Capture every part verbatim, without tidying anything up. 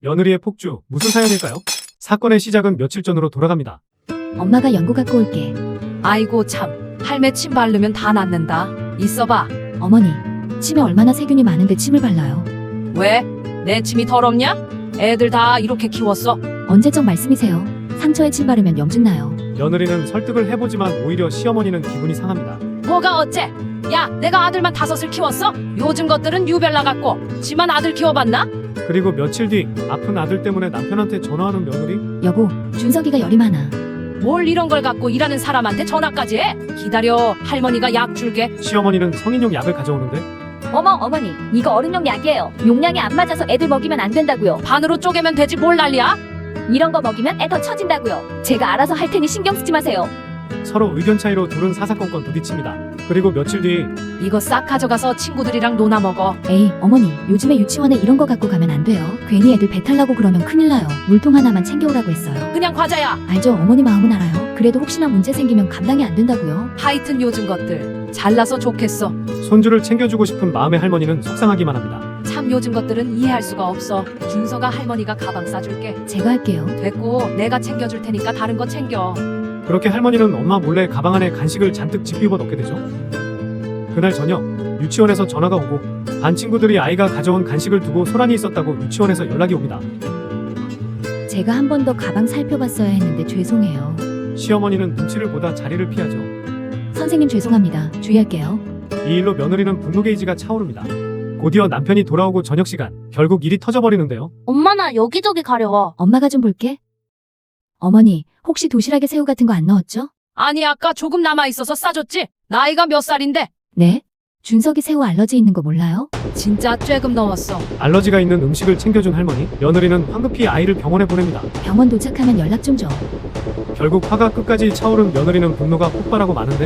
며느리의 폭주, 무슨 사연일까요? 사건의 시작은 며칠 전으로 돌아갑니다. 엄마가 연고 갖고 올게. 아이고 참, 할매 침 바르면 다 낫는다. 있어봐. 어머니, 침에 얼마나 세균이 많은데 침을 발라요. 왜? 내 침이 더럽냐? 애들 다 이렇게 키웠어. 언제적 말씀이세요? 상처에 침 바르면 염증 나요. 며느리는 설득을 해보지만 오히려 시어머니는 기분이 상합니다. 뭐가 어째? 야, 내가 아들만 다섯을 키웠어? 요즘 것들은 유별나 같고 지만 아들 키워봤나? 그리고 며칠 뒤 아픈 아들 때문에 남편한테 전화하는 며느리. 여보, 준석이가 열이 많아. 뭘 이런 걸 갖고 일하는 사람한테 전화까지 해? 기다려, 할머니가 약 줄게. 시어머니는 성인용 약을 가져오는데 어머, 어머니, 이거 어른용 약이에요. 용량이 안 맞아서 애들 먹이면 안 된다고요. 반으로 쪼개면 되지 뭘 난리야? 이런 거 먹이면 애 더 처진다고요. 제가 알아서 할 테니 신경 쓰지 마세요. 서로 의견 차이로 둘은 사사건건 부딪힙니다. 그리고 며칠 뒤 이거 싹 가져가서 친구들이랑 놀아 먹어. 에이, 어머니, 요즘에 유치원에 이런 거 갖고 가면 안 돼요. 괜히 애들 배탈 나고 그러면 큰일 나요. 물통 하나만 챙겨오라고 했어요. 그냥 과자야. 알죠? 어머니 마음은 알아요. 그래도 혹시나 문제 생기면 감당이 안 된다고요. 하여튼 요즘 것들 잘나서 좋겠어. 손주를 챙겨주고 싶은 마음의 할머니는 속상하기만 합니다. 참 요즘 것들은 이해할 수가 없어. 준서가 할머니가 가방 싸줄게. 제가 할게요. 됐고 내가 챙겨줄 테니까 다른 거 챙겨. 그렇게 할머니는 엄마 몰래 가방 안에 간식을 잔뜩 집비워 넣게 되죠. 그날 저녁 유치원에서 전화가 오고 반 친구들이 아이가 가져온 간식을 두고 소란이 있었다고 유치원에서 연락이 옵니다. 제가 한 번 더 가방 살펴봤어야 했는데 죄송해요. 시어머니는 눈치를 보다 자리를 피하죠. 선생님 죄송합니다. 주의할게요. 이 일로 며느리는 분노 게이지가 차오릅니다. 곧이어 남편이 돌아오고 저녁 시간 결국 일이 터져버리는데요. 엄마 나 여기저기 가려워. 엄마가 좀 볼게. 어머니, 혹시 도시락에 새우 같은 거 안 넣었죠? 아니 아까 조금 남아있어서 싸줬지? 나이가 몇 살인데? 네? 준석이 새우 알러지 있는 거 몰라요? 진짜 쬐금 넣었어. 알러지가 있는 음식을 챙겨준 할머니, 며느리는 황급히 아이를 병원에 보냅니다. 병원 도착하면 연락 좀 줘. 결국 화가 끝까지 차오른 며느리는 분노가 폭발하고 마는데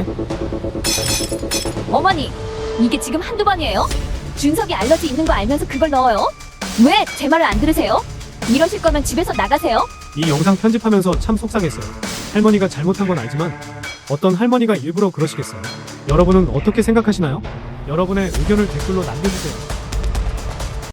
어머니, 이게 지금 한두 번이에요? 준석이 알러지 있는 거 알면서 그걸 넣어요? 왜 제 말을 안 들으세요? 이러실 거면 집에서 나가세요. 이 영상 편집하면서 참 속상했어요. 할머니가 잘못한 건 알지만 어떤 할머니가 일부러 그러시겠어요? 여러분은 어떻게 생각하시나요? 여러분의 의견을 댓글로 남겨주세요.